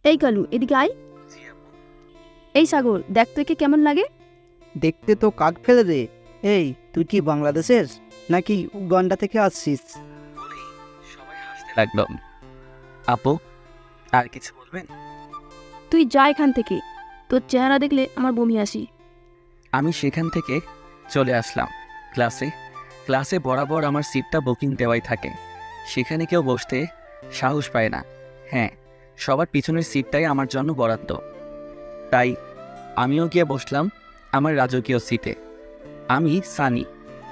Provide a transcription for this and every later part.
এই কালু, এদিকে আয়। এই সাগর, দেখ তো একে কেমন লাগে। দেখতে তো কাক ফেলে রে। এই, তুই কি বাংলাদেশের নাকি উগান্ডা থেকে আসছিস? বলেই সবাই হাসতে লাগলো। আপু, আর কিছু বলবেন? তুই যা এখান থেকে, তোর চেহারা দেখলে আমার বমি আসি। আমি সেখান থেকে চলে আসলাম ক্লাসে। ক্লাসে বরাবর আমার সিটটা বুকিং দেওয়াই থাকে, সেখানে কেউ বসতে সাহস পায় না। হ্যাঁ, সবার পিছনের সিটটাই আমার জন্য বরাদ্দ। তাই আমিও গিয়ে বসলাম আমার রাজকীয় সিটে। আমি সানি,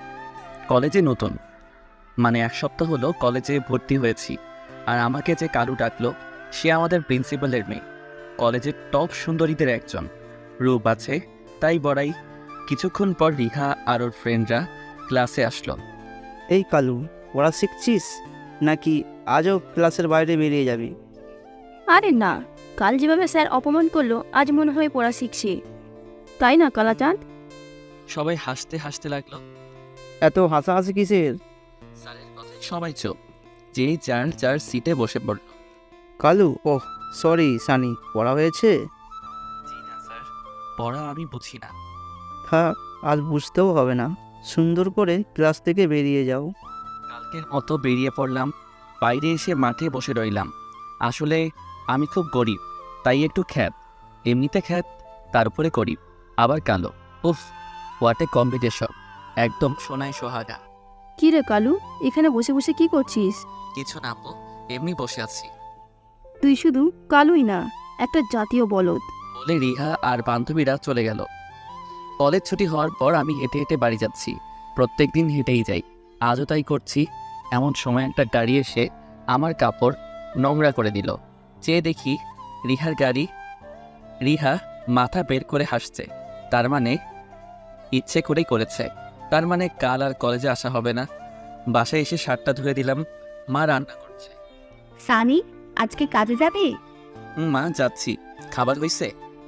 কলেজে নতুন, মানে 1 সপ্তাহ হলো কলেজে ভর্তি হয়েছি। আর আমাকে যে কালু ডাকলো, সে আমাদের প্রিন্সিপালের মেয়ে, কলেজের টপ সুন্দরীদের একজন। রূপ আছে তাই বড়াই। কিছুক্ষণ পর রিহা আর ওর ফ্রেন্ডরা ক্লাসে আসলো। এই কালু, পড়া শিখছিস নাকি আজও ক্লাসের বাইরে বেরিয়ে যাবি? আরে না, কাল যেভাবে স্যার অপমান করলো, আজ মনে হয় পড়া শিখছি, তাই না কালাচাঁদ? সবাই হাসতে হাসতে লাগলো। এত হাসাহাসি কিসের? স্যারের কথায় সবাই চুপ, যে যার যার সিটে বসে পড়ল। কালু, ওহ সরি সানি, পড়া হয়েছে? জি না স্যার, পড়া আমি বুঝি না। হ্যাঁ, আজ বুঝতেও হবে না, সুন্দর করে ক্লাস থেকে বেরিয়ে যাও। কালকের মতো বেরিয়ে পড়লাম। বাইরে এসে মাঠে বসে রইলাম। আসলে আমি খুব গরিব, তাই একটু খ্যাত। এমনিতে খ্যাত, তার উপরে গরিব, আবার কালো। উফ, হোয়াট এ কম্পিটিশন! একদম সোনায় সোহাগা। কি রে কালু, এখানে বসে বসে কি করছিস? কিছু না আপু, এমনি বসে আছি। তুই শুধু কালুই না, একটা জাতীয় বলদ। বলে রিহা আর বান্ধবীরা চলে গেল। কলেজ ছুটি হওয়ার পর আমি হেঁটে হেঁটে বাড়ি যাচ্ছি। প্রত্যেকদিন হেঁটেই যাই, আজও তাই করছি। এমন সময় একটা গাড়ি এসে আমার কাপড় নোংরা করে দিল। চেয়ে দেখি রিহার গাড়ি। রিহা মাথা বের করে হাসছে, তার মানে ইচ্ছে করেই করেছে। তার মানে কাল আর কলেজে আসা হবে না। বাসায় এসে শার্টটা ধুয়ে দিলাম, মা রান্না করছে। সানি, আজকে কাজে যাবে? মা যাচ্ছি। খাবার হয়েছে?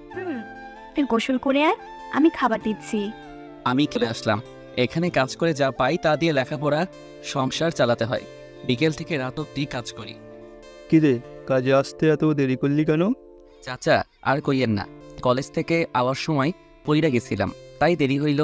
তুই গোসল করে আয়, আমি খাবার দিচ্ছি। আমি চলে আসলাম। এখানে কাজ করে যা পাই তা দিয়ে লেখাপড়া, সংসার চালাতে হয়। বিকেল থেকে রাত অব্দি কাজ করি। কিরে, কাজে আসতে এত দেরি করলি কেন? চাচা, আর কইয়েন না, কলেজ থেকে আওয়ার সময় পইরা গেছিলাম, তাই দেরি হইল।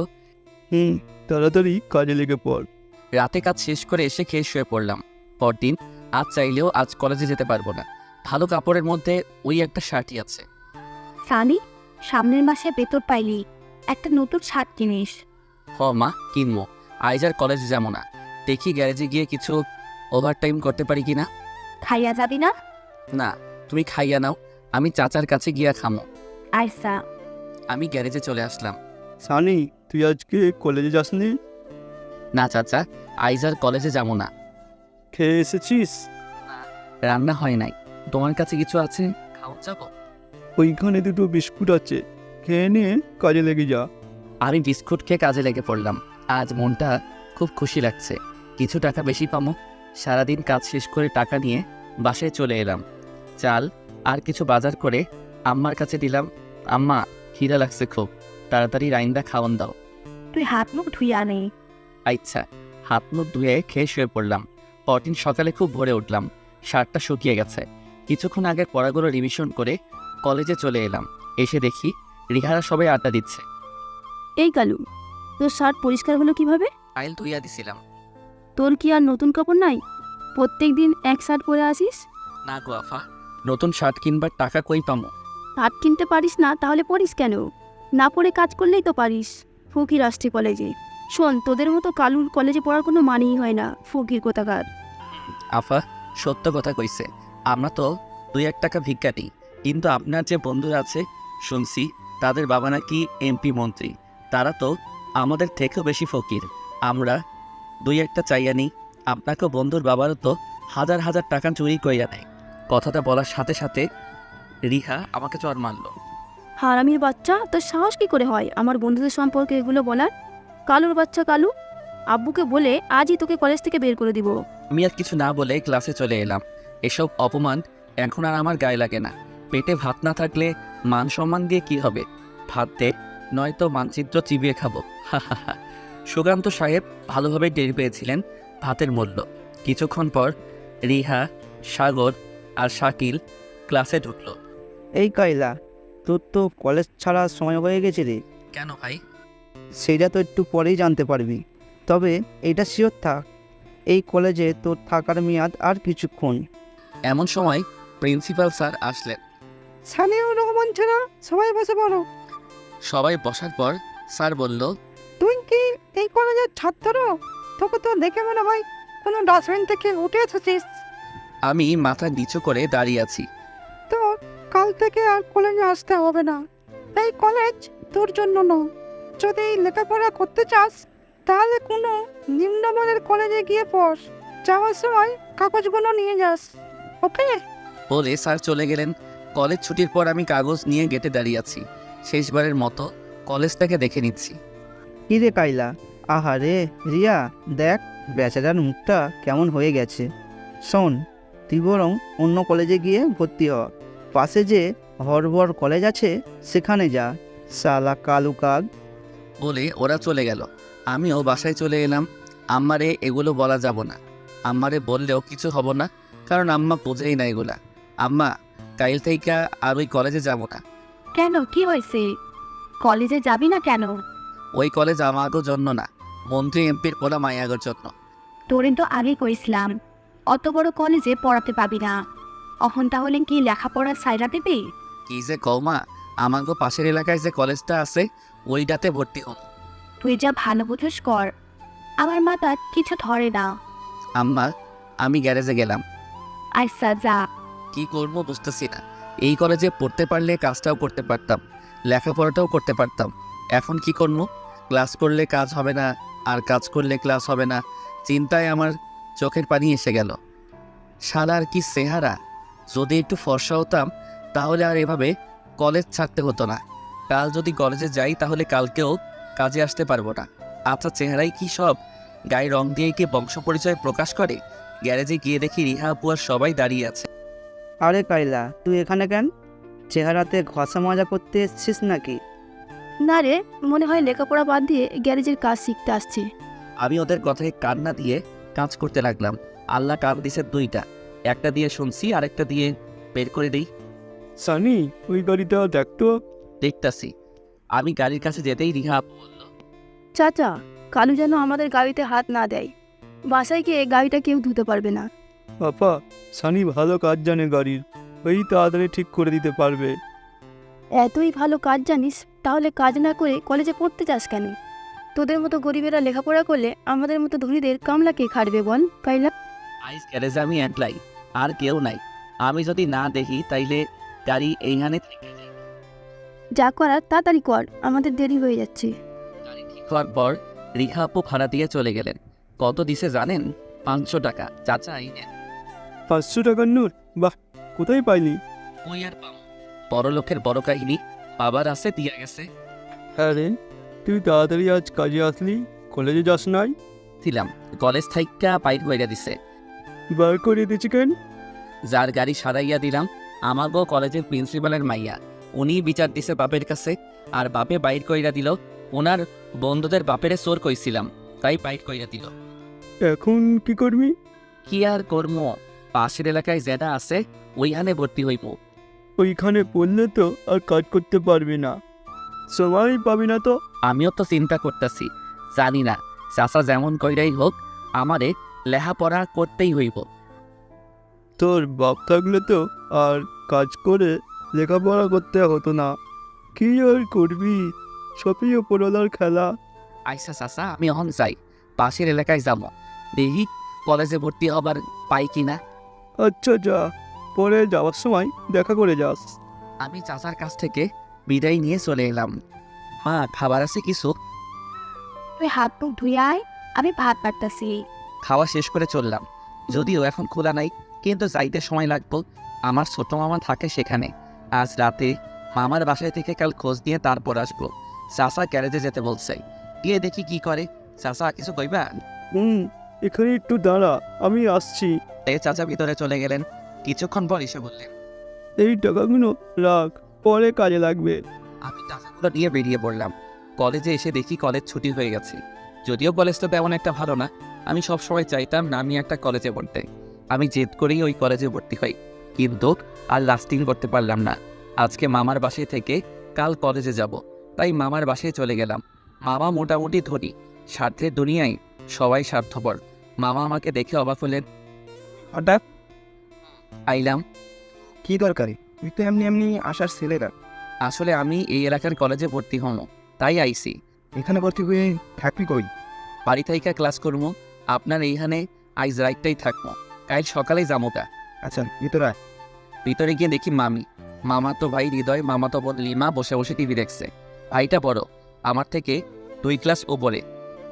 তাড়াতাড়ি কাজে লেগে পড়। রাতে কাজ শেষ করে এসে খেয়ে শুয়ে পড়লাম। পরদিন আজ চাইলেও আজ কলেজে যেতে পারবো না। ভালো কাপড়ের মধ্যে ওই একটা শার্টই আছে। সানি, সামনের মাসে বেতন পাইলি, একটা নতুন শার্ট কিনিস। হ মা, কিনবো। আইজ আর কলেজে যাবো না। দেখি গ্যারেজে গিয়ে কিছু ওভারটাইম করতে পারি কিনা। খাইয়া যাবি না? না, তুমি খাইয়া নাও, আমি চাচার কাছে গিয়া খামো। আইসা। আমি গ্যারেজে চলে আসলাম। সানি, তুই আজকে কলেজে যাসনি? না চাচা, আইজ আর কলেজে যাবো না। খেয়ে এসেছিস? রান্না হয় নাই। তোমার কাছে কিছু আছে, খাওয়া যাবো? ওইখানে দুটো বিস্কুট আছে, খেয়ে নিয়ে কাজে লেগে যা। আমি বিস্কুট খেয়ে কাজে লেগে পড়লাম। আজ মনটা খুব খুশি লাগছে, কিছু টাকা বেশি পামো। সারাদিন কাজ শেষ করে টাকা নিয়ে বাসায় চলে এলাম। চাল আর কিছু বাজার করে আম্মার কাছে দিলাম। আম্মা, খিদা লাগছে খুব, তাড়াতাড়ি রাইন্দা খাওয়ান দাও। তুই হাত মুখ ধুইয়া আনে। আচ্ছা। হাত মুখ ধুয়ে খেয়ে শুয়ে পড়লাম। পরদিন সকালে খুব ভোরে উঠলাম। শার্টটা শুকিয়ে গেছে। কিছুক্ষণ আগে পড়াগুলো রিভিশন করে কলেজে চলে এলাম। এসে দেখি রিহারা সবাই আড্ডা দিচ্ছে। এই কালু, তোর শার্ট পরিষ্কার হলো কিভাবে? আইল ধুইয়া দিছিলাম। তোর কি আর নতুন কাপড় নাই? প্রত্যেক দিন এক শার্ট পরে আসিস। না গো আফা, নতুন শার্ট কিনবার টাকা কই পামো? শার্ট কিনতে পারিস না, তাহলে পরিস কেন? না পরে কাজ করলেই তো পারিস। ফকির আসছে কলেজে। শোন, তোদের মতো কালুর কলেজে পড়ার কোনো মানেই হয় না, ফকির কোথাকার। আফা সত্য কথা কইছে, আমরা তো 2-1 টাকা ভিক্ষা দিই, কিন্তু আপনার যে বন্ধুরা আছে শুনছি তাদের বাবা নাকি এমপি মন্ত্রী, তারা তো আমাদের থেকেও বেশি ফকির। আমরা 2-1টা চাইয়া নিই, আপনাকেও বন্ধুর বাবারও তো হাজার হাজার টাকা চুরি কইয়া নেয়। কথাটা বলার সাথে সাথে রিহা আমাকে চর মারল। হারামির বাচ্চা, তোর সাহস কি করে হয় আমার বন্ধুদের সম্পর্কে এগুলো বলার? কালুর বাচ্চা কালু, আব্বুকে বলে আজই তোকে কলেজ থেকে বের করে দিব। আমি আর কিছু না বলে ক্লাসে চলে এলাম। এসব অপমান এখন আর আমার গায়ে লাগে না। পেটে ভাত না থাকলে মান সম্মান দিয়ে কি হবে? ভাত দে, নয়তো মানচিত্র চিবিয়ে খাবো। সুকান্ত সাহেব ভালোভাবে টের পেয়েছিলেন ভাতের মূল্য। কিছুক্ষণ পর রিহা, সাগর আর শাকিল ক্লাসে ঢুকলো। এই কাইলা, তোর তো কলেজ ছাড়ার সময় হয়ে গেছে রে। কেন ভাই? সেইটা তো একটু পরেই জানতে পারবি। তবে এইটা শিওর থাক, এই কলেজে তোর থাকার মেয়াদ আর কিছুক্ষণ। এমন সময় প্রিন্সিপাল স্যার আসলেন। সানিউর রহমান ছেড়া, সবাই বসে পড়ো। সবাই বসার পর স্যার বলল, তুই কি এই কলেজের ছাত্র? তোকে তো দেখে মনে হয় কোনো ডাস্টবিন থেকে উঠে এসেছিস। আমি মাথা নিচু করে দাঁড়িয়ে আছি। তো কাল থেকে আর কলেজে আসতে হবে না। এই কলেজ তোর জন্য নয়। যদি লেখাপড়া করতে চাস তাহলে কোনো নিম্নমানের কলেজে গিয়ে পড়। যাওয়ার সময় কাগজগুলো নিয়ে যাস, ওকে? বলে স্যার চলে গেলেন। কলেজ ছুটির পর আমি কাগজ নিয়ে গেটে দাঁড়িয়ে আছি। শেষবারের মতো কলেজটাকে দেখে নিচ্ছি। কি রে কাইলা, আহারে রিয়া, দেখ বেচারার মুখটা কেমন হয়ে গেছে। শোন, তুই বরং অন্য কলেজে গিয়ে ভর্তি হ। পাশে যে হরবর কলেজ আছে সেখানে যা, শালা কালু কাক। বলে ওরা চলে গেল। আমিও বাসায় চলে এলাম। আম্মারে এগুলো বলা যাব না। আম্মারে বললেও কিছু হব না, কারণ আম্মা বোঝেই না এগুলা। আম্মা, কাইল থেকে আর ওই কলেজে যাব না। কেন, কি হয়েছে? কলেজে যাবি না কেন? ওই কলেজ আমাগো জন্য না, মন্ত্রী এমপির পোলা মায়াগোর জন্য। তোরে তো আগে কইছিলাম অত বড় কলেজে পড়াতে পাবি না। অহন তাহলে কি লেখাপড়া সাইরা দেবে? কি যে কৌমা, আমাগো পাশের এলাকায় যে কলেজটা আছে ওইটাতে ভর্তি হন। তুই যা ভালো বুঝোস কর, আমার মাথা কিছু ধরে না। আম্মা, আমি গ্যারেজে গেলাম। আচ্ছা যা। কি করবো বুঝতেছি না। এই কলেজে পড়তে পারলে কাজটাও করতে পারতাম, লেখাপড়াটাও করতে পারতাম। এখন কি করবো? ক্লাস করলে কাজ হবে না, আর কাজ করলে ক্লাস হবে না। চিন্তায় আমার চোখের পানি এসে গেল। শালার কি চেহারা! যদি একটু ফর্সা হতাম তাহলে আর এভাবে কলেজ ছাড়তে হতো না। কাল যদি কলেজে যাই তাহলে কালকেও কাজে আসতে পারবো না। আচ্ছা, চেহারাই কি সব? গায়ে রং দিয়ে কি বংশ পরিচয় প্রকাশ করে? গ্যারেজে গিয়ে দেখি রিহা আপু আর সবাই দাঁড়িয়ে আছে। আরে কাইলা, তুই এখানে কেন? চেহারাতে ঘষা মজা করতে এসছিস নাকি? না রে, মনে হয় লেখাপড়া বাদ দিয়ে গ্যারেজের কাজ শিখতে আসছে। আমি ওদের কথায় কান না দিয়ে কাজ করতে লাগলাম। আল্লাহ কান দিছে দুইটা, একটা দিয়ে শুনছি আরেকটা দিয়ে বের করে দিই। সানি, ওই গাড়িটা দেখতো। দেখতাছি। আমি গাড়ির কাছে যেতেই রিহা আপু বলল, চাচা, কালু যেন আমাদের গাড়িতে হাত না দেয়। বাসায় গিয়ে গাড়িটা কেউ ধুতে পারবে না। পাপা, সানি ভালো কাজ জানে গাড়ির, ওই তাড়াতাড়ি ঠিক করে দিতে পারবে। এতই ভালো কাজ জানিস, তাহলে কাজ না করে কলেজে পড়তে চাস কেন? তোদের মতো গরিবেরা লেখাপড়া করলে আমাদের মতো ধনীদের কামলা কে খাটবে বল কাইলা? আইস গ্যারেজে আমি একলাই, আর কেউ নাই। আমি যদি না দেখি তাইলে গাড়ি এইখানে থেকে যায়। যা করার তাড়াতাড়ি কর, আমাদের দেরি হয়ে যাচ্ছে। গাড়ি ঠিক হওয়ার পর রিহা আপু ভাড়া দিয়ে চলে গেলেন। কত দিছে জানেন? 500 টাকা। চাচা এই নেন। 500 টাকার নোট? বাহ, কোথায় পাইলি? ওই আর পাম, বড় লোকের বড় কাহিনী। বাবার আছে দিয়া গেছে। হ্যাঁ রে, তুই তাড়াতাড়ি আজ কাজে আসলি, কলেজে যাস নাই? ছিলাম, কলেজ থাইকা বাইর কইরা দিছে। বার করে দিচ্ছি কেন? যার গাড়ি সারাইয়া দিলাম আমাগো কলেজের প্রিন্সিপালের মাইয়া, উনি বিচার দিছে বাপের কাছে। আর বাপে বাইর কইরা দিল। ওনার বন্ধুদের বাপেরে চোর কইছিলাম, তাই বাইর কইরা দিল। এখন কি করবি? কি আর কর্ম, পাশের এলাকায় যেটা আছে ওইখানে ভর্তি হইব। ওইখানে পড়লে তো আর কাজ করতে পারবি না, সময় পাবি না তো। আমিও তো চিন্তা করতেছি, জানি না চাচা যেমন কইরাই হোক আমারে লেখাপড়া করতেই হইব। তোর বাপ থাকলে তো আর কাজ করে লেখাপড়া করতে হতো না। কি আর করবি, সবই ওপরওয়ালার খেলা। আইসা চাচা, আমি এখন যাই, পাশের এলাকায় যাব, দেখি কলেজে ভর্তি হবার পাই কিনা। আচ্ছা যা, পরে যাওয়ার সময় দেখা করে যাস। আমি চাচার কাছ থেকে বিদায় নিয়ে চলে এলাম। মা, খাবার আছে কিছু? তুই হাত মুখ ধুয়ে আয়, আমি ভাত বাড়তাছি। খাওয়া শেষ করে চললাম। যদিও এখন খোলা নাই, কিন্তু যাইতে সময় লাগবো। আমার ছোট মামা থাকে সেখানে। আজ রাতে মামার বাসায় থেকে কাল খোঁজ নিয়ে তারপর আসবো। চাচা গ্যারেজে যেতে বলছে, গিয়ে দেখি কি করে। চাচা কিছু কইবা? এখানে একটু দাঁড়া, আমি আসছি। চাচা ভিতরে চলে গেলেন। কিছুক্ষণ পর এসে বললেন, এই টাকাগুলো রাখ, পরে কাজে লাগবে। আমি টাকাগুলো নিয়ে বেরিয়ে পড়লাম। কলেজে এসে দেখি কলেজ ছুটি হয়ে গেছে। যদিও কলেজটা তেমন একটা ভালো না, আমি সবসময় চাইতাম না আমি একটা কলেজে পড়তে। আমি জেদ করেই ওই কলেজে ভর্তি হই, কিন্তু আর লাস্টিং করতে পারলাম না। আজকে মামার বাসায় থেকে কাল কলেজে যাব, তাই মামার বাসায় চলে গেলাম। মামা মোটামুটি ধনী, স্বার্থের দুনিয়ায় সবাই স্বার্থপর। মামা আমাকে দেখে অবাক হলেন। হঠাৎ আইলাম। কি দরকারি? তুই তো এমনি এমনি আসার ছেলে না। আসলে আমি এই এলাকার কলেজে ভর্তি হন, তাই আইসি। এখানে ভর্তি হয়ে থাকবি কই? বাড়ি থেকে ক্লাস করবো, আপনার এইখানে আইজ রাইটটাই থাকবো, কাল সকালেই যামোকা। আচ্ছা, ভিতরে আয়। ভিতরে গিয়ে দেখি মামি, মামা তো ভাই হৃদয়, মামা তো বোন লিমা বসে বসে টিভি দেখছে। ভাইটা বড়, আমার থেকে 2 ক্লাস ওপরে,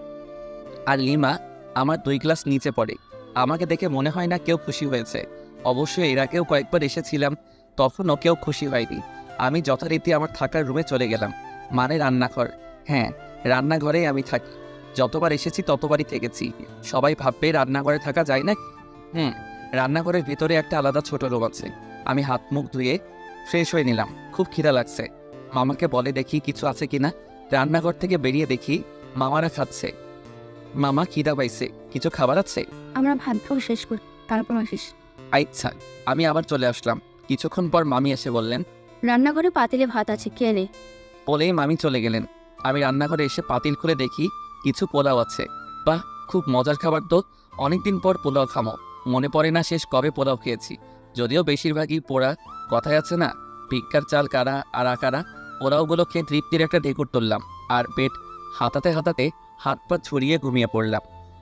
আর লিমা আমার 2 ক্লাস নিচে পড়ে। আমাকে দেখে মনে হয় না কেউ খুশি হয়েছে। অবশ্যই এর আগেও কয়েকবার এসেছিলাম, তখনও কেউ খুশি হয়নি। আমি যথারীতি আমার থাকার রুমে চলে গেলাম, মানে রান্নাঘর। হ্যাঁ, রান্নাঘরেই আমি থাকি। যতবার এসেছি ততবারই থেকেছি। সবাই ভাববে রান্নাঘরে থাকা যায় না। রান্নাঘরের ভিতরে একটা আলাদা ছোট রুম আছে। আমি হাত মুখ ধুয়ে ফ্রেশ হয়ে নিলাম, খুব খিদা লাগছে। মামাকে বলে দেখি কিছু আছে কিনা। রান্নাঘর থেকে বেরিয়ে দেখি মামারা খাচ্ছে। মামা খিদা পাইছে, কিছু খাবার আছে? আমরা ভাত খাওয়া শেষ করি, তারপর আসিস। আচ্ছা, আমি আবার চলে আসলাম। কিছুক্ষণ পর মামি এসে বললেন, রান্নাঘরে পাতিলে ভাত আছে, কে নে। বলেই মামি চলে গেলেন। আমি রান্নাঘরে এসে পাতিল খুলে দেখি কিছু পোলাও আছে। বাহ, খুব মজার খাবার তো। অনেকদিন পর পোলাও খামো, মনে পড়ে না শেষ কবে পোলাও খেয়েছি। যদিও বেশিরভাগই পোড়া, কথায় আছে না, ভিক্ষার চাল কারা আর আকারা। পোলাওগুলো খেয়ে তৃপ্তির একটা ঢেকুর তুললাম, আর পেট হাতাতে হাতাতে হাত পা ছড়িয়ে ঘুমিয়ে পড়লাম।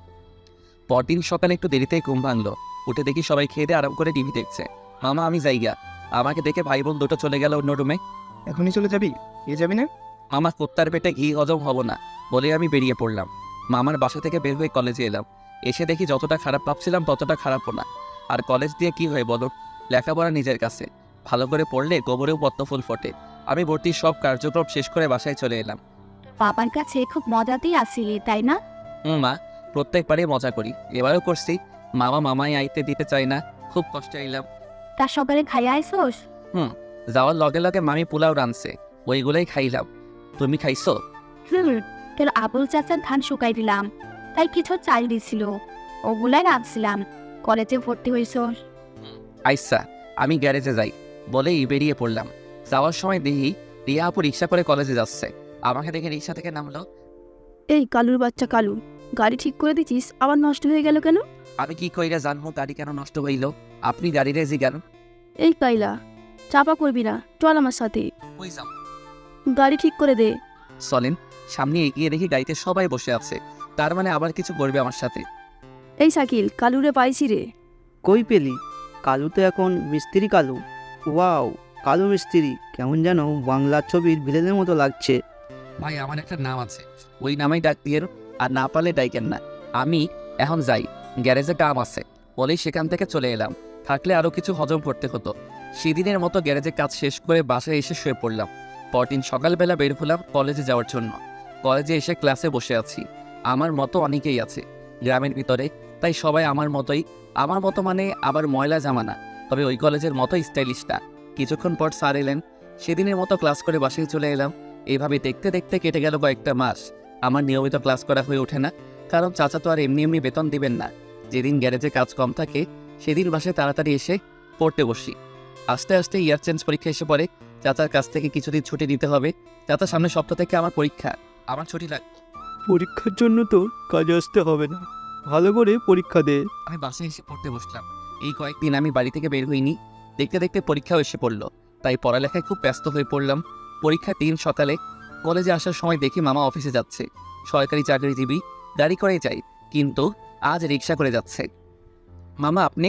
পরদিন সকালে একটু দেরিতেই ঘুম ভাঙলো। উঠে দেখি সবাই খেয়ে দিয়ে আরাম করে টিভি দেখছে। মামা আমি যাইগা। আমাকে দেখে ভাই বোন দুটো চলে গেল অন্য রুমে। এখনই চলে যাবি? যাবি না? মামা কুত্তার পেটে ঘি হজম হব না বলে আমি বেরিয়ে পড়লাম। মামার বাসা থেকে বের হয়ে কলেজে এলাম। এসে দেখি যতটা খারাপ ভাবছিলাম ততটা খারাপও না। আর কলেজ দিয়ে কি হয় বলো, লেখাপড়া নিজের কাছে, ভালো করে পড়লে গোবরেও পদ্মফুল ফোটে। আমি ভর্তির সব কার্যক্রম শেষ করে বাসায় চলে এলাম। বাবার কাছে খুব মজাতেই আসিলি, তাই না? মা, প্রত্যেকবারই মজা করি, এবারও করছি। মামা মামাই আইতে দিতে চাই না, খুব কষ্টে এলাম। তার সকালে খাইয়া আইসোস? যাওয়ার লগে লগে মামি পোলাও রাঁধছে, ওইগুলোই খাইলাম। তুমি খাইছো? তোর আবুল চাচার ধান শুকাই দিলাম, তাই কিছু চাল দিছিল, ওগুলাই রাঁধছিলাম। কলেজে ভর্তি হইছোস? আইসা, আমি গ্যারেজে যাই বলেই বেরিয়ে পড়লাম। যাওয়ার সময় দেখি রিয়া আপু রিক্সা করে কলেজে যাচ্ছে। আমাকে দেখে রিক্সা থেকে নামলো। এই কালুর বাচ্চা কালু, গাড়ি ঠিক করে দিছিস, আবার নষ্ট হয়ে গেল কেন? আমি কি কইরা জানবো গাড়ি কেন নষ্ট হইল? আপনি গাড়ি রেজি কেন? এই কাইলা, চাপা করবি না, চল আমার সাথে, কই যাও? গাড়ি ঠিক করে দে। চলেন। সামনে এগিয়ে দেখি গাড়িতে সবাই বসে আছে, তার মানে আবার কিছু করবে আমার সাথে। এই শাকিল, কালুরে পাইছি রে। কই পেলি? কালু তো এখন মিস্ত্রি কালু। ওয়াও, কালু মিস্ত্রি, কেমন যেন বাংলার ছবির ভিলেনের মতো লাগছে। ভাই আমার একটা নাম আছে, ওই নামেই ডাক দিয়ে, আর না পারলে ডাইকেন না। আমি এখন যাই, গ্যারেজে কাম আছে বলেই সেখান থেকে চলে এলাম। থাকলে আরও কিছু হজম করতে হতো। সেদিনের মতো গ্যারেজে কাজ শেষ করে বাসায় এসে শুয়ে পড়লাম। পরদিন সকালবেলা বের হলাম কলেজে যাওয়ার জন্য। কলেজে এসে ক্লাসে বসে আছি। আমার মতো অনেকেই আছে গ্রামের ভিতরে, তাই সবাই আমার মতোই। আমার মতো মানে আবার ময়লা জামা না, তবে ওই কলেজের মতো স্টাইলিশ না। কিছুক্ষণ পর স্যার এলেন, সেদিনের মতো ক্লাস করে বাসায় চলে এলাম। এইভাবে দেখতে দেখতে কেটে গেল কয়েকটা মাস। আমার নিয়মিত ক্লাস করা হয়ে ওঠে না, কারণ চাচা তো আর এমনি এমনি বেতন দিবেন না। যেদিন গ্যারেজে কাজ কম থাকে সেদিন বাসায় তাড়াতাড়ি এসে পড়তে বসি। আস্তে আস্তে ইয়ার চেঞ্জ পরীক্ষা এসে পড়ে। চাচার কাছ থেকে কিছুদিন ছুটি নিতে হবে। চাচা সামনের সপ্তাহ থেকে আমার পরীক্ষা, আমার ছুটি লাগবে। পরীক্ষার জন্য তোর কাজে আসতে হবে না, ভালো করে পরীক্ষা দে। আমি বাসায় এসে পড়তে বসলাম। এই কয়েকদিন আমি বাড়ি থেকে বের হইনি। দেখতে দেখতে পরীক্ষাও এসে পড়লো, তাই পড়ালেখায় খুব ব্যস্ত হয়ে পড়লাম। পরীক্ষার দিন সকালে কলেজে আসার সময় দেখি মামা অফিসে যাচ্ছে। সরকারি চাকরিজীবী, গাড়ি করে যাই, কিন্তু আজ রিক্সা করে যাচ্ছে। মামা আপনি?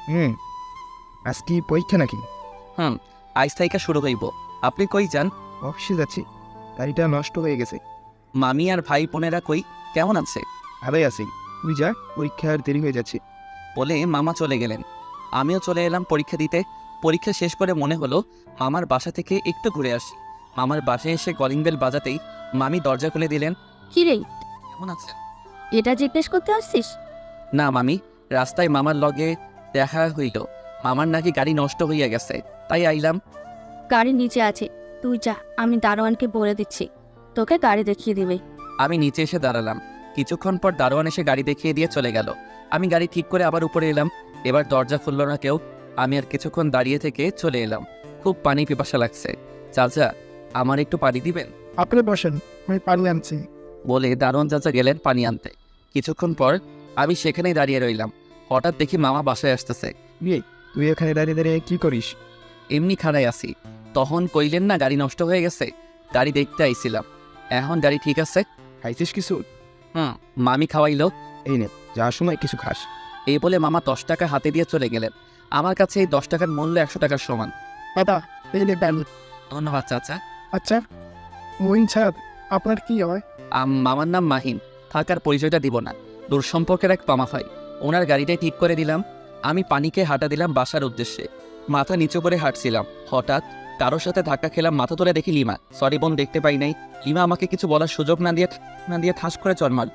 আজ কি পরীক্ষা নাকি? আজ থেকে শুরু হইব। আপনি কই যান? অফিসে যাচ্ছি, গাড়িটা নষ্ট হয়ে গেছে। মামি আর ভাই বোনেরা কই, কেমন আছে? ভালোই আছি, তুই যা, পরীক্ষার দেরি হয়ে যাচ্ছে। বলে মামা চলে গেলেন। আমিও চলে এলাম পরীক্ষা দিতে। পরীক্ষা শেষ করে মনে হলো মামার বাসা থেকে একটু ঘুরে আসি। মামার বাসায় এসে কলিং বেল বাজাতেই মামি দরজা খুলে দিলেন। কি রে, কেমন আছেন? এটা জিজ্ঞেস করতে আসছিস? না মামি, রাস্তায় মামার লগে দেখা হইল। মামার নাকি গাড়ি নষ্ট হইয়া গেছে, তাই আইলাম। গাড়ি নিচে আছে, তুই যা, আমি দারোয়ানকে বলে দিচ্ছি, তোকে গাড়ি দেখিয়ে দিবে। আমি নিচে এসে দাঁড়ালাম। কিছুক্ষণ পর দারোয়ান এসে গাড়ি দেখিয়ে দিয়ে চলে গেল। আমি গাড়ি ঠিক করে আবার উপরে এলাম। এবার দরজা খুলল না কেউ। আমি আর কিছুক্ষণ দাঁড়িয়ে থেকে চলে এলাম। খুব পানি পিপাসা লাগছে। চাচা, আমার একটু পানি দিবেন? আপনি বসেন, আমি পানি আনছি। বলে দারোয়ান চাচা গেলেন পানি আনতে। কিছুক্ষণ পর আমি সেখানেই দাঁড়িয়ে রইলাম। হঠাৎ দেখি মামা বাসায় আসতেছে। তুই এখানে দাঁড়িয়ে দাঁড়িয়ে কি করিস? এমনি খাড়াই আসি। তখন কইলেন না গাড়ি নষ্ট হয়ে গেছে, গাড়ি দেখতে আইছিলাম। এখন গাড়ি ঠিক আছে। খাইছিস কিছু? মামি খাওয়াইলো। এই নে, যাওয়ার সময় কিছু খাস। এই বলে মামা 10 টাকা হাতে দিয়ে চলে গেলেন। আমার কাছে এই 10 টাকার মূল্য 100 টাকার সমান। দাদা, এই নে প্যান। ধন্যবাদ চাচা। আচ্ছা, মহিন সাহেব, আপনার কি হয়? মামার নাম মাহিন। থাকার পরিচয়টা দিব না, দূর সম্পর্কের এক মামা হয়। ওনার গাড়িটাই ঠিক করে দিলাম। আমি পানিকে হাঁটা দিলাম বাসার উদ্দেশ্যে। মাথা নিচু করে হাঁটছিলাম। হঠাৎ কারোর সাথে ধাক্কা খেলাম। মাথা তুলে দেখি লিমা। সরি বোন, দেখতে পাই নাই। লিমা আমাকে কিছু বলার সুযোগ না দিয়ে ঠাস করে চড় মারল।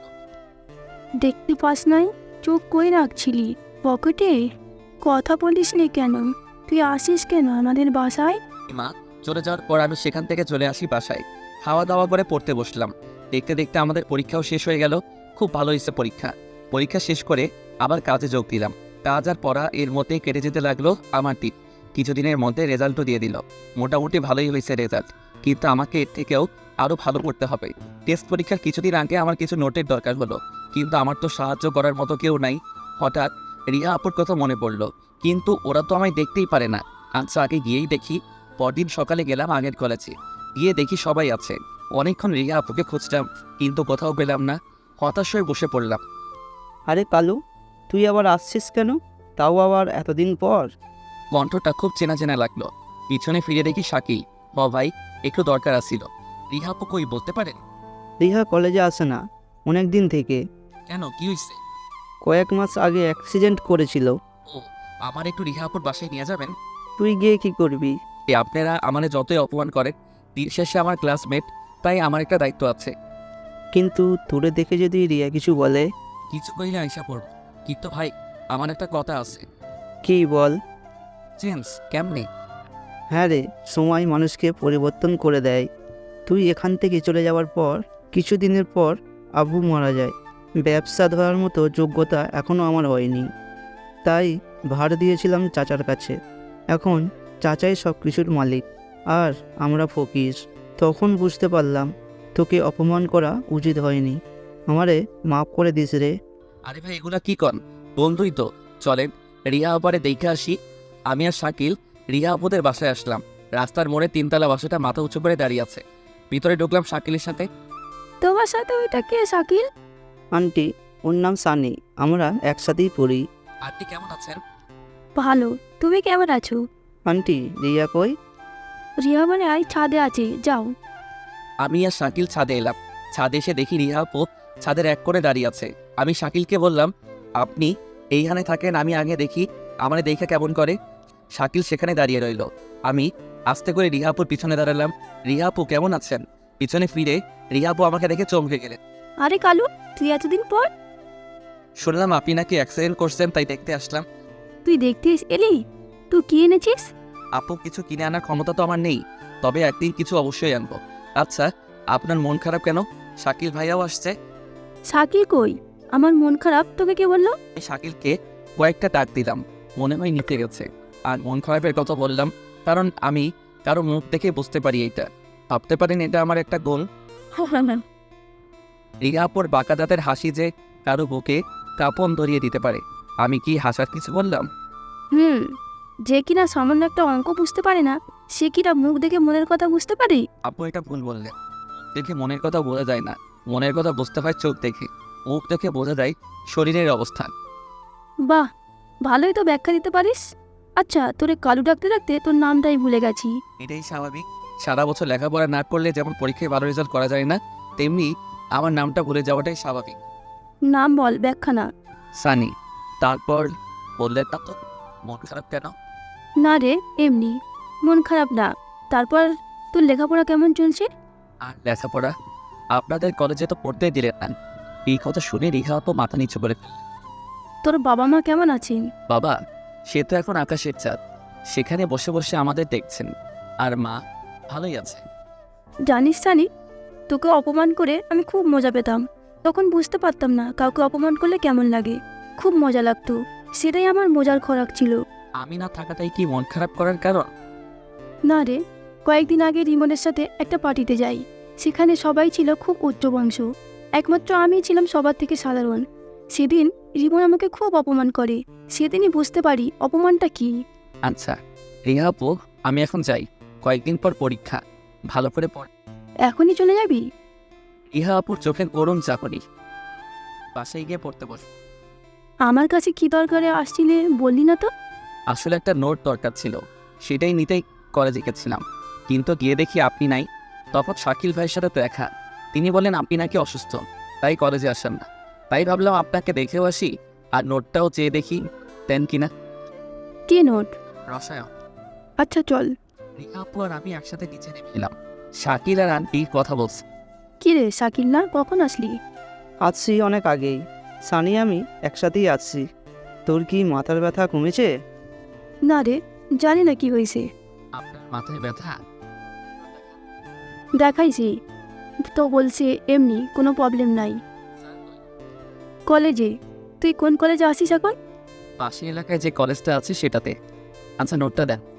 দেখতে পাস নাই? চোখ কই রাখছিলি? পকেটে? কথা বলিস নি কেন? তুই আসিস কেন আমাদের বাসায়? লিমা চলে যাওয়ার পর আমি সেখান থেকে চলে আসি বাসায়। খাওয়া দাওয়া করে পড়তে বসলাম। দেখতে দেখতে আমাদের পরীক্ষাও শেষ হয়ে গেল। খুব ভালো হয়েছে পরীক্ষা। পরীক্ষা শেষ করে আবার কাজে যোগ দিলাম। কাজ আর পড়া এর মধ্যেই কেটে যেতে লাগলো আমার দিন। কিছুদিনের মধ্যে রেজাল্টও দিয়ে দিল। মোটামুটি ভালোই হয়েছে রেজাল্ট, কিন্তু আমাকে এর থেকেও আরও ভালো করতে হবে। টেস্ট পরীক্ষার কিছুদিন আগে আমার কিছু নোটের দরকার হলো, কিন্তু আমার তো সাহায্য করার মতো কেউ নাই। হঠাৎ রিয়া আপুর কথা মনে পড়লো, কিন্তু ওরা তো আমায় দেখতেই পারে না। আচ্ছা, আগে গিয়েই দেখি। পরদিন সকালে গেলাম আগের কলেজে। গিয়ে দেখি সবাই আছে। অনেকক্ষণ রিয়া আপুকে খুঁজলাম, কিন্তু কোথাও পেলাম না। হতাশ হয়ে বসে পড়লাম। আরে কালু, তুই আবার আসছিস কেন? তাও আবার এতদিন পর? কণ্ঠটা খুব চেনা চেনা লাগলো। পিছনে ফিরে দেখি শাকিল। ভাই, একটু দরকার আসছিল। রিহা আপু কই, বলতে পারেন? রিহা কলেজে আসে না অনেক দিন থেকে। কেন, কি হয়েছে? কয়েক মাস আগে অ্যাক্সিডেন্ট করেছিল। ও, আমার একটু রিহা আপুর বাসায় নিয়ে যাবেন? তুই গিয়ে কি করবি? আপনারা আমাকে যতই অপমান করেন, দিন শেষে আমার ক্লাসমেট, তাই আমার একটা দায়িত্ব আছে। কিন্তু তোরে দেখে যদি রিয়া কিছু বলে? কিছু কইলে আইসা পড়ব। কিন্তু ভাই, আমার একটা কথা আছে। কি বল? চেঞ্জ কেমনে? হ্যাঁ রে, সময় মানুষকে পরিবর্তন করে দেয়। তুই এখান থেকে চলে যাওয়ার পর কিছুদিনের পর আব্বু মারা যায়। ব্যবসা ধরার মতো যোগ্যতা এখনও আমার হয়নি, তাই ভার দিয়েছিলাম চাচার কাছে। এখন চাচাই সব কিছুর মালিক, আর আমরা ফকির। তখন বুঝতে পারলাম তোকে অপমান করা উচিত হয়নি। আমারে মাফ করে দিস রে। আরে ভাই, এগুলা কি কন? বন্ধুই তো। চলেন রিয়া আপারে দেখে আসি। আমি আর শাকিল রিয়া আপুদের বাসায় আসলাম। রাস্তার মোড়ে 3তলা বাসাটা মাথা উঁচু করে দাঁড়িয়ে আছে। ভিতরে ঢুকলাম শাকিলের সাথে। তোমার সাথে ওইটা কে শাকিল? আন্টি, ওর নাম সানি। আমরা একসাথেই পড়ি। আপনি কেমন আছেন? ভালো। তুমি কেমন আছো? আন্টি, রিয়া কই? রিয়া মানে আই ছাদে আছে, যাও। আমি আর শাকিল ছাদে এলাম। ছাদে এসে দেখি রিহা আপু ছাদের এক কোণে দাঁড়িয়ে আছে। আমি শাকিলকে বললাম, আপনি এইখানে থাকেন, আমি আগে দেখি আমারে দেখে কেমন করে। শাকিল সেখানে দাঁড়িয়ে রইল। আমি আস্তে করে রিহা আপুর পিছনে দাঁড়ালাম। রিহা আপু কেমন আছেন? পিছনে ফিরে রিহা আপু আমাকে দেখে চমকে গেলেন। আরে কালু, তুই এতদিন পর? শুনলাম আপনি নাকি অ্যাক্সিডেন্ট করছেন, তাই দেখতে আসলাম। তুই দেখতে এলি? তুই কি এনেছিস? আপু, কিছু কিনে আনার ক্ষমতা তো আমার নেই, তবে একদিন কিছু অবশ্যই আনবো। আচ্ছা, আপনার মন খারাপ কেন? শাকিল ভাইয়াও আসছে। শাকিল কই? আমার মন খারাপ, তোকে কে বললো? আমি শাকিলকে কয়েকটা ডাক দিলাম, মনে হয় নিতে গেছে। আর মন খারাপের কথা বললাম কারণ আমি কারো মুখ দেখে বুঝতে পারি এইটা। ভাবতে পারেন এটা আমার একটা গোল। রিয়া আপুর বাঁকা দাঁতের হাসি যে কারো বুকে কাঁপন ধরিয়ে দিতে পারে। আমি কি হাসার কিছু বললাম? যে কিনা সামান্য একটা অঙ্ক বুঝতে পারে না, সে কিনা মুখ দেখে মনের কথা বুঝতে পারে? আপু, এটা ভুল বললেন। দেখে মনের কথা বোঝা যায় না, মনের কথা বুঝতে হয় চোখ দেখে। মুখ দেখে বোঝা যায় শরীরের অবস্থান। বাহ, ভালোই তো ব্যাখ্যা দিতে পারিস। আচ্ছা, তোরে কালু ডাকতে ডাকতে তোর নামটাই ভুলে গেছি। এটাই স্বাভাবিক। সারা বছর লেখাপড়া না করলে যেমন পরীক্ষায় ভালো রেজাল্ট করা যায় না, তেমনি আমার নামটা ভুলে যাওয়াটাই স্বাভাবিক। নাম বল, ব্যাখ্যা না। সানি। তারপর বললেন না তো মন খারাপ কেন? না রে, এমনি মন খারাপ না। তারপর তোর লেখাপড়া কেমন চলছে? আর লেখাপড়া? আপনাদের কলেজে তো পড়তে দিলেন না। এই কথা শুনে রিহা আপু মাথা নিচু করে ফেললেন। তোর বাবা মা কেমন আছেন? বাবা, সে তো এখন আকাশের চাঁদ, সেখানে বসে বসে আমাদের দেখছেন। আর মা ভালোই আছে। জানিস সানি, তোকে অপমান করে আমি খুব মজা পেতাম। তখন বুঝতে পারতাম না কাউকে অপমান করলে কেমন লাগে। খুব মজা লাগতো, সেটাই আমার মজার খোরাক ছিল। আমি না থাকাটাই কি মন খারাপ করার কারণ? না রে, কয়েকদিন আগে রিমনের সাথে একটা পার্টিতে যাই। সেখানে সবাই ছিল খুব উচ্চ বংশ, একমাত্র আমি ছিলাম সবার থেকে সাধারণ। সেদিন রিমন আমাকে খুব অপমান করে। সেদিনই বুঝতে পারি অপমানটা কি। আচ্ছা রিয়া আপু, আমি এখন যাই, কয়েকদিন পর পরীক্ষা, ভালো করে পড়। এখনই চলে যাবি? রিহা আপুর চোখে গরম চাকরি, বাসায় গিয়ে পড়তে বস। আমার কাছে কি দরকারে আসছিলে বললি না তো? আসলে একটা নোট দরকার ছিল, সেটাই নিতেই কলেজে গেছিলাম, কিন্তু গিয়ে দেখি আপনি নাই। তখন শাকিল ভাইয়ের সাথে দেখা, তিনি বলেন আপনি নাকি অসুস্থ, তাই কলেজে আসেন না। তাই ভাবলাম আপনাকে দেখেও আসি, আর নোটটাও চেয়ে দেখি দেন কিনা। কি নোট? রসায়ন। আচ্ছা চল। রিহা আপু আর আমি একসাথে নিচে নেমে এলাম। শাকিল আর আন্টি কথা বলছে। কি রে শাকিল, না কখন আসলি? আসছি অনেক আগেই। সানি আমি একসাথেই আসছি। তোর কি মাথার ব্যথা কমেছে? না রে, জানি না কি হয়েছে। আপনার মাথায় ব্যথা? দেখাইছি তো, বলছে এমনি, কোনো প্রবলেম নাই। কলেজে। তুই কোন কলেজে আসিস এখন? পাশের এলাকায় যে কলেজটা আছে সেটাতে। আচ্ছা নোটটা দেন।